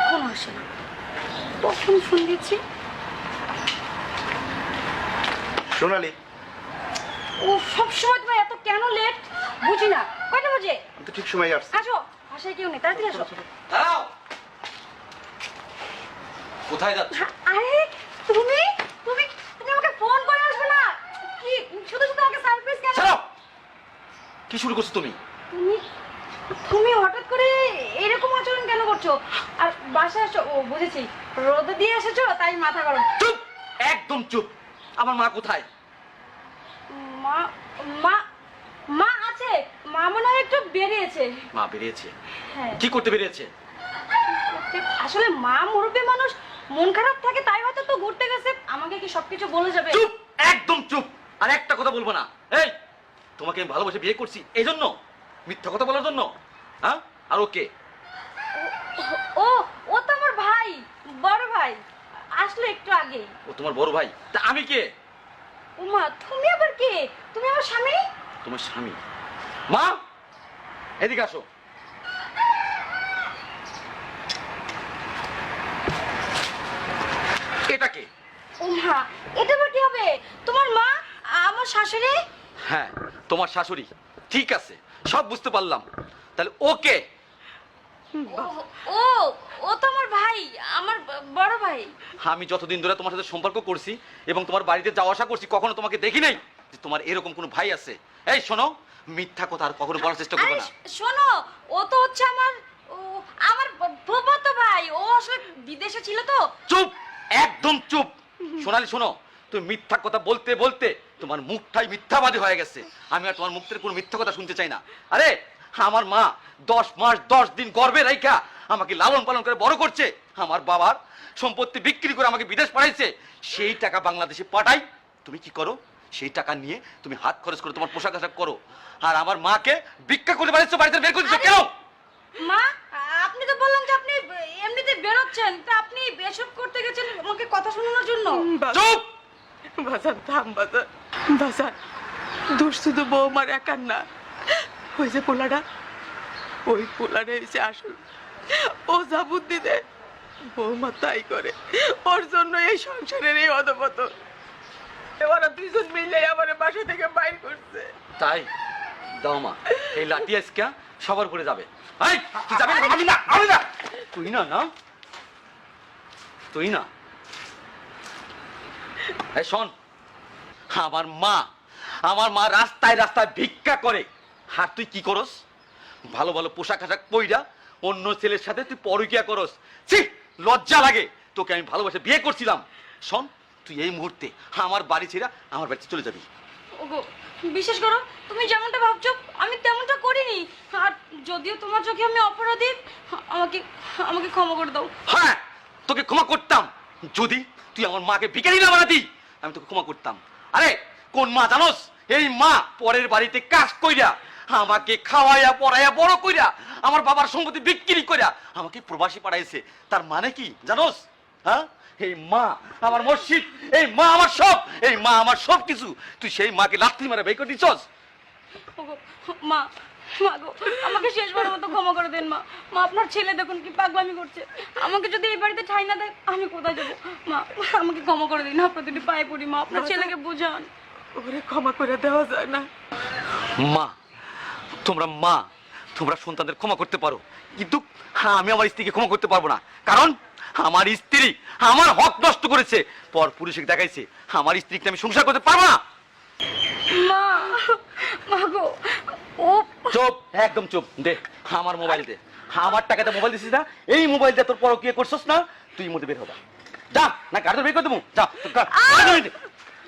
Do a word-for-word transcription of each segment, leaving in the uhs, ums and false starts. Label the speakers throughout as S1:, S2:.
S1: এখন আসে না, কখন ফোন দিচ্ছি।
S2: সোনালি,
S1: ও সবসময় তোমার এত কেন লেট বুঝি না। কয়টা বাজে?
S2: আমি তো ঠিক সময় আসছি।
S1: আসো, বাসায় কেউ নেই, তাড়াতাড়ি আসো।
S3: দাঁড়াও। কোথায় যাচ্ছ?
S1: আরে তুমি তুমি তুমি আমাকে ফোন করে আসবে না কি? শুধু শুধু আমাকে সারপ্রাইজ কেন?
S3: ছাড়ো। কি শুরু করছো তুমি?
S1: তুমি তুমি হঠাৎ করে এরকম আচরণ কেন করছো? আর বাসায় আসো, ও বুঝেছি, রোদে দিয়ে এসেছো তাই মাথা গরম।
S3: চুপ, একদম চুপ। আমার মা কোথায়?
S1: মা মা মা আছে, মা মনে হয় একটু বেরিয়েছে।
S3: মা বেরিয়েছে?
S1: হ্যাঁ,
S3: কি করতে বেরিয়েছে?
S1: আসলে মা মুরব্বী মানুষ, মন খারাপ থাকে তাই হয়তো তো ঘুরতে গেছে। আমাকে কি সবকিছু বলে যাবে?
S3: চুপ, একদম চুপ। আর একটা কথা বলবো না। এই, তোমাকে আমি ভালোবেসে বিয়ে করছি এই জন্য? মিথ্যা কথা বলার জন্য? হ্যাঁ? আর ওকে?
S1: ও ও তো আমার ভাই, বড় ভাই, আসলে একটু আগেই।
S3: ও তোমার বড় ভাই? তা আমি কে?
S1: উমা, তুমি আবার কে? তুমি আমার স্বামী।
S3: তোমার স্বামী? মা, এদিকে আসো। এটা কে?
S1: উমা, এটা আবার কি হবে? তোমার মা, আমার শাশুড়ি।
S3: হ্যাঁ, তোমার শাশুড়ি। ঠিক আছে, সব বুঝতে পারলাম। তাহলে ওকে?
S1: ও- ও ও তো আমার ভাই, আমার ব- বড় ভাই।
S3: আমি যতদিন ধরে তোমার সাথে সম্পর্ক করছি এবং তোমার বাড়িতে যাওয়া আসা করছি, কখনো তোমাকে দেখি নাই যে তোমার এরকম কোনো ভাই আছে। এই শোনো, মিথ্যা কথা আর কখনো বলার চেষ্টা করবে
S1: আরে
S3: না।
S1: শোনো, ও তো হচ্ছে আমার ও আমার ব- ফুফাতো ভাই। ও আসলে বিদেশে ছিল তো।
S3: চুপ, একদম চুপ। সোনালি শোনো, তুমি মিথ্যা কথা বলতে বলতে তোমার মুখটাই মিথ্যাবাদী হয়ে গেছে। আমি আর তোমার মুখ থেকে কোনো মিথ্যা কথা শুনতে চাই না। আরে আমার মা দশ মাস দশ দিন গর্ভে রাইখা আমাকে লালন পালন করে বড় করছে। আমার বাবার সম্পত্তি বিক্রি করে আমাকে বিদেশ পাঠাইছে। সেই টাকা বাংলাদেশে পাঠাই, তুমি কি করো? সেই টাকা নিয়ে তুমি হাত খরচ করে তোমার পোশাক আশাক করো। আর আমার মাকে ভিক্ষা করে বাড়িতে বাড়িতে বের করে দিচ্ছ কেন?
S1: মা, আপনি তো বললেন যে আপনি এমনিতে বেরোচ্ছেন, তা আপনি এসব করতে গেছেন আমাকে কথা শোনানোর জন্য?
S3: চুপ।
S4: বাজান থাম বাজান, বাজান দোষ শুধু বৌমার একার না। ওই যে পোলাটা, ওই পোলাটা এসে আসল। ও যা বুদ্ধি দেয় বৌমা তাই করে। ওর জন্য এই সংসারের এই অধপত। ওরা দুইজন মিলে আমার বাসা থেকে বাইর করছে।
S3: তাই দাও মা, এই লাঠি আজকে সবার করে যাবে। এই, তুই যাবি না? আমি না, আমি না। তুই না না তুই না এই শোন, আমার মা আমার মা রাস্তায় রাস্তায় ভিক্ষা করে। আর তুই কি করস? ভালো ভালো পোশাক আশাক পইরা অন্য ছেলের সাথে তুই পরকিয়া করস। ছি, লজ্জা লাগে। তোকে আমি ভালোবাসে বিয়ে করছিলাম। শোন, তুই এই মুহূর্তে আমার বাড়ি ছেড়ে আমার বাড়িতে চলে যাবি।
S1: ওগো, বিশ্বাস করো, তুমি যেমনটা ভাবছো আমি তেমনটা করিনি। আর যদিও তোমার চোখে আমি অপরাধী, আমাকে আমাকে ক্ষমা করে দাও।
S3: হ্যাঁ, তোকে ক্ষমা করতাম যদি তুই আমার মাকে ভিখারি না বানাতি। আমি তোকে ক্ষমা করতাম। আরে কোন মা জানোস? এই মা পরের বাড়িতে কাজ কইরা আমাকে খাওয়াইয়া পড়াইয়া বড় কইরা আমার বাবার সম্পত্তি বিক্রি কইরা আমাকে প্রবাসী পাঠাইছে। তার মানে কি জানোস? হ্যাঁ, এই মা আমার মসজিদ, এই মা আমার সব, এই মা আমার সব কিছু। তুই সেই মাকে লাথি মারা বের করে দিছস।
S1: ওগো, মা মা গো, আমাকে শেষবারের মতো ক্ষমা করে দেন মা। মা, আপনার ছেলে দেখুন কি পাগলামি করছে। আমাকে যদি এই বাড়িতে ঠাঁই না দেয় আমি কোথায় যাবো? মা, আমাকে ক্ষমা করে দিন, আপনার দুটি পায়ে পড়ি মা, আপনার ছেলেকে বোঝান।
S4: ওরে ক্ষমা করে দেওয়া যায় না।
S3: মা, তোমরা মা তোমরা সন্তানদের ক্ষমা করতে পারো, কিন্তু আমি আমার স্ত্রীকে ক্ষমা করতে পারবো না। কারণ আমার স্ত্রী আমার হক নষ্ট করেছে, পর পুরুষকে দেখাইছে। আমার স্ত্রীকে আমি সংসার করতে পারবো না।
S1: মা, মা গো, ও
S3: চুপ, একদম চুপ। দে আমার মোবাইল দে। আমার টাকাতে মোবাইল দিছিস না, এই মোবাইল দিয়ে তোর পরকিয়া করছস না, তুই মধ্যে বের হবা। যা, না গাড়ি বের করে দেবো। যা তোর গা- গাড়ি দে।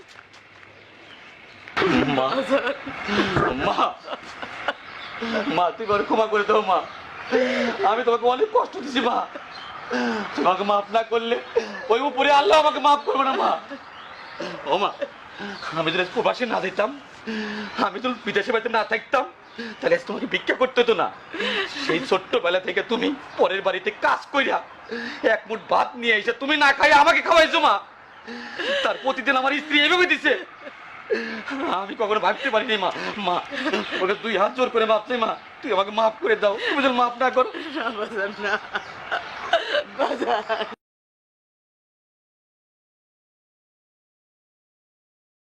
S3: মা, মা, মা তুই বড় ক্ষমা করে দাও মা। আমি তোমাকে অনেক কষ্ট দিছি মা। তোমাকে মাফ না করলে ওই উপরে আল্লাহ আমাকে মাফ করবে না মা। ও মা, আমি যদি প্রবাসে না যেতাম, আমি তো বিদেশে বাড়িতে না থাকতাম, তাহলে আজ তোমাকে ভিক্ষা করতে হতো না। সেই ছোট্টবেলা থেকে তুমি পরের বাড়িতে কাজ কইরা এক মুঠ ভাত নিয়ে এসে তুমি না খাই আমাকে খাওয়াইছো মা। তার প্রতিদিন আমার স্ত্রী এভাবে দিছে। আমি কখনো ভাবতে পারিনি মা। মা, ওকে দুই হাত জোর করে মাপ চাই মা, তুই আমাকে মাফ করে দাও। তুমি যদি মাফ না করো।
S4: না বাজান না, বাজান